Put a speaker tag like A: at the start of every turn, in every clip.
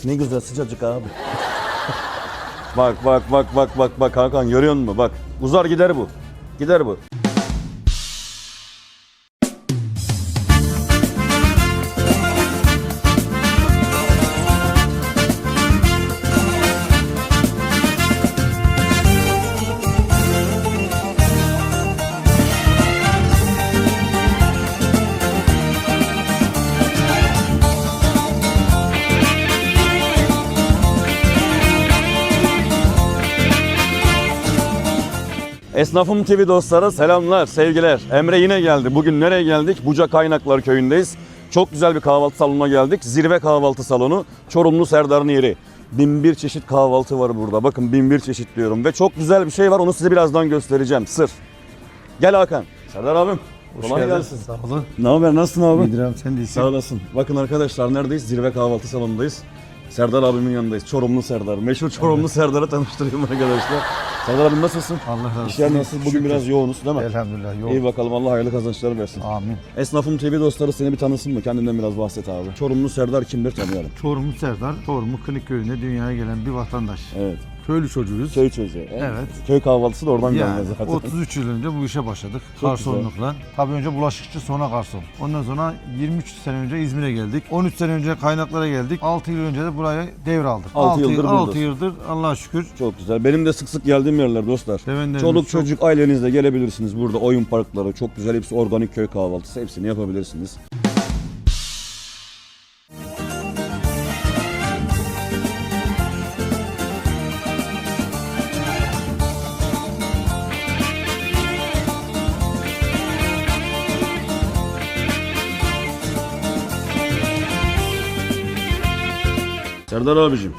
A: Ne güzel sıcacık abi. Bak Hakan, görüyor musun? Bak uzar gider bu. Gider bu. Esnafım TV dostları selamlar, sevgiler. Emre yine geldi. Bugün nereye geldik? Buca Kaynaklar Köyü'ndeyiz. Çok güzel bir kahvaltı salonuna geldik. Zirve kahvaltı salonu. Çorumlu Serdar'ın yeri. 1001 çeşit kahvaltı var burada. Bakın 1001 çeşit diyorum. Ve çok güzel bir şey var. Onu size birazdan göstereceğim. Sır. Gel Hakan. Serdar abim. Kolay gelsin.
B: Sağ olun.
A: Ne haber? Nasılsın abi?
B: İyidir sen değilsin.
A: Sağ olasın. Bakın arkadaşlar neredeyiz? Zirve kahvaltı salonundayız. Serdar abimin yanındayız. Çorumlu Serdar. Meşhur Çorumlu Serdar'ı tanıştırayım arkadaşlar. Serdar abim nasılsın?
B: Allah razı olsun.
A: İşler nasıl? Bugün
B: Şükür.
A: biraz yoğunuz değil mi?
B: Elhamdülillah yoğun.
A: İyi bakalım, Allah hayırlı kazançlar versin.
B: Amin.
A: Esnafım TV dostları seni bir tanısın mı? Kendinden biraz bahset abi. Çorumlu Serdar kimdir tanıyalım.
B: Çorumlu Serdar, Çorumlu Kınık Köyü'nde dünyaya gelen bir vatandaş.
A: Evet.
B: Köylü çocuğuyuz.
A: Köy çocuğu.
B: Evet.
A: Köy kahvaltısı da oradan
B: Yani
A: gelmez zaten.
B: 33 yıl önce bu işe başladık.
A: Çok
B: Garsonlukla. Tabii önce bulaşıkçı, sonra garson. Ondan sonra 23 sene önce İzmir'e geldik. 13 sene önce Kaynaklar'a geldik. 6 yıl önce de buraya devraldık.
A: 6 yıldır
B: 6
A: buradasın.
B: yıldır Allah'a şükür.
A: Çok güzel. Benim de sık sık geldiğim yerler dostlar.
B: Sevenlerimiz
A: Çoluk
B: çok.
A: çocuk ailenizle gelebilirsiniz. Burada oyun parkları çok güzel. Hepsi organik köy kahvaltısı. Hepsini yapabilirsiniz. Serdar abicim,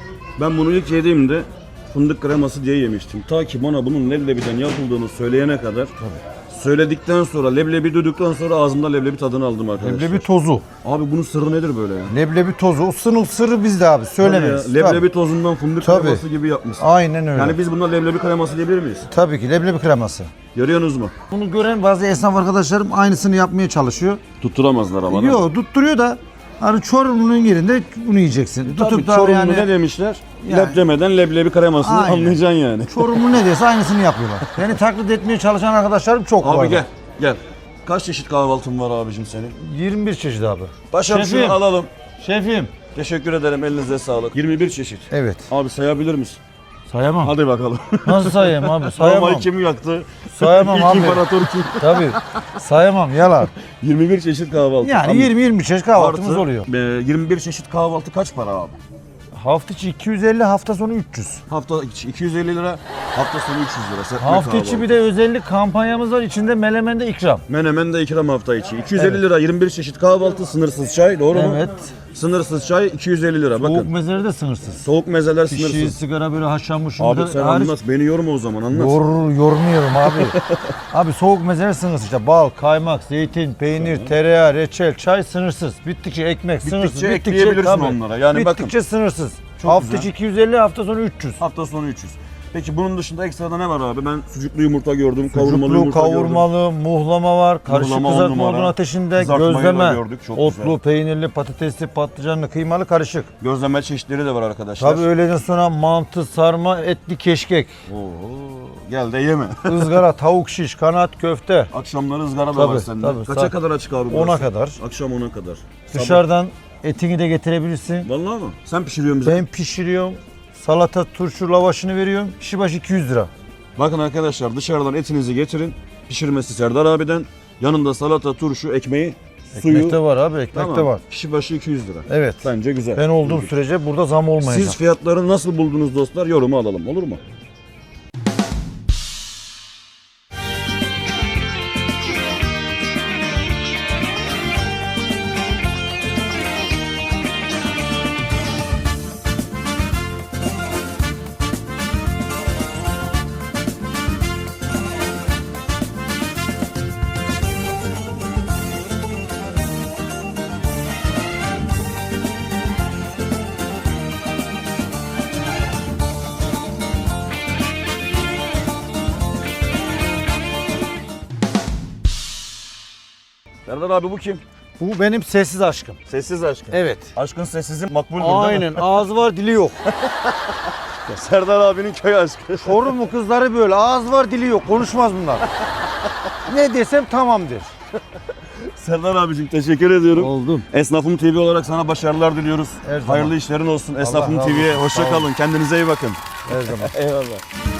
A: ben bunu ilk yediğimde fındık kreması diye yemiştim. Ta ki bana bunun leblebiden yapıldığını söyleyene kadar. Söyledikten sonra, leblebi duyduktan sonra ağzımda leblebi tadını aldım arkadaşlar.
B: Leblebi tozu.
A: Abi bunun sırrı nedir böyle ya?
B: Leblebi tozu. O sınıf sırrı bizde abi. Söylemeyiz.
A: Tabii ya, leblebi tozundan fındık
B: Tabii.
A: kreması gibi yapmışsın.
B: Aynen öyle.
A: Yani biz buna leblebi kreması diyebilir miyiz?
B: Tabii ki leblebi kreması.
A: Görüyorsunuz mu?
B: Bunu gören bazı esnaf arkadaşlarım aynısını yapmaya çalışıyor.
A: Tutturamazlar ama.
B: Yok tutturuyor da hani Çorumlu'nun yerinde bunu yiyeceksin.
A: Tabii
B: Tutup da
A: Çorumlu
B: yani
A: ne demişler?
B: Yani-
A: Leb demeden leblebi kremasını
B: Aynen.
A: anlayacaksın yani.
B: Çorumlu ne dese aynısını yapıyorlar. Beni taklit etmeye çalışan arkadaşlarım çok var.
A: Abi gel. Kaç çeşit kahvaltın var abicim senin?
B: 21 çeşit abi.
A: Paşam
B: Şefim.
A: şunu alalım.
B: Şefim.
A: Teşekkür ederim, elinize sağlık. 21 çeşit.
B: Evet.
A: Abi sayabilir misin?
B: Sayamam.
A: Hadi bakalım.
B: Nasıl sayayım abi? Sayamam.
A: Romayı kim yaktı?
B: Sayamam
A: İlk
B: abi.
A: imparator kim?
B: Tabii. Sayamam yalan.
A: 21 çeşit kahvaltı.
B: Yani
A: Abi,
B: 20-20 çeşit kahvaltımız
A: artı,
B: oluyor.
A: 21 çeşit kahvaltı kaç para abi?
B: Hafta içi 250, hafta sonu 300.
A: Hafta içi 250 lira, hafta sonu 300 lira. Serpme
B: Hafta içi
A: kahvaltı.
B: bir de özellik kampanyamız var. İçinde melemende ikram.
A: Menemen de ikram hafta içi. 250 lira 21 çeşit kahvaltı, sınırsız çay, doğru mu?
B: Evet.
A: Sınırsız çay 250 lira.
B: Soğuk
A: Bakın.
B: mezeleri de sınırsız.
A: Soğuk mezeler
B: Pişi,
A: sınırsız.
B: sigara böyle haşlanmış.
A: Abi
B: yumurta
A: sen
B: hariç-
A: anlat. Beni yorma o zaman, anlat.
B: Yormuyorum abi. Abi soğuk mezeler sınırsız işte bal, kaymak, zeytin, peynir, tereyağı, reçel, çay sınırsız. Bittikçe ekmek sınırsız.
A: ekleyebilirsin
B: tabii.
A: onlara. Yani
B: Bittikçe
A: bakın.
B: sınırsız.
A: Çok
B: Hafta
A: güzel.
B: içi 250, hafta sonu 300.
A: Hafta sonu 300. Peki bunun dışında ekstrada ne var abi? Ben sucuklu yumurta gördüm, kavurmalı
B: Sucuklu,
A: yumurta gördüm.
B: kavurmalı, muhlama var, karışık
A: Muhlama on
B: kızartma
A: numara.
B: odun ateşinde,
A: Kızartmayı da
B: gözleme,
A: gördük, çok
B: otlu,
A: güzel.
B: peynirli, patatesli, patlıcanlı, kıymalı, karışık.
A: Gözleme çeşitleri de var arkadaşlar.
B: Tabii öğleden sonra mantı, sarma, etli keşkek,
A: Oo, gel de yeme.
B: ızgara, tavuk şiş, kanat, köfte.
A: Akşamları ızgara da
B: Tabii,
A: var sende.
B: tabii.
A: Kaça
B: Saat
A: kadar açık abi?
B: 10'a
A: burası?
B: kadar.
A: Akşam 10'a kadar.
B: Dışarıdan etini de getirebilirsin.
A: Sabah. Vallahi mı? Sen pişiriyorsun bize.
B: Ben pişiriyorum. Salata, turşu, lavaşını veriyorum. Kişi başı 200 lira.
A: Bakın arkadaşlar, dışarıdan etinizi getirin. Pişirmesi Serdar abiden. Yanında salata, turşu, ekmeği, suyu.
B: Ekmek de var abi, ekmek
A: Tamam.
B: de var.
A: Kişi başı 200 lira.
B: Evet.
A: Bence güzel.
B: Ben olduğum sürece burada zam olmayacak.
A: Siz fiyatları nasıl buldunuz dostlar? Yorumu alalım, olur mu? Serdar abi bu kim?
B: Bu benim sessiz aşkım.
A: Sessiz aşkın.
B: Evet.
A: Aşkın sessizi makbuldür değil mi?
B: Aynen. Ağzı var, dili yok.
A: Serdar abinin köy aşkı.
B: Çorumlu kızları böyle. Ağız var, dili yok. Konuşmaz bunlar. Ne desem tamamdır.
A: Serdar abicim teşekkür ediyorum.
B: Oldum.
A: Esnafım TV olarak sana başarılar diliyoruz.
B: Her zaman.
A: Hayırlı işlerin olsun. Esnafım
B: razı
A: TV'ye
B: olsun.
A: hoşça
B: Sağ olun.
A: kalın. Kendinize iyi bakın.
B: Her zaman.
A: Eyvallah.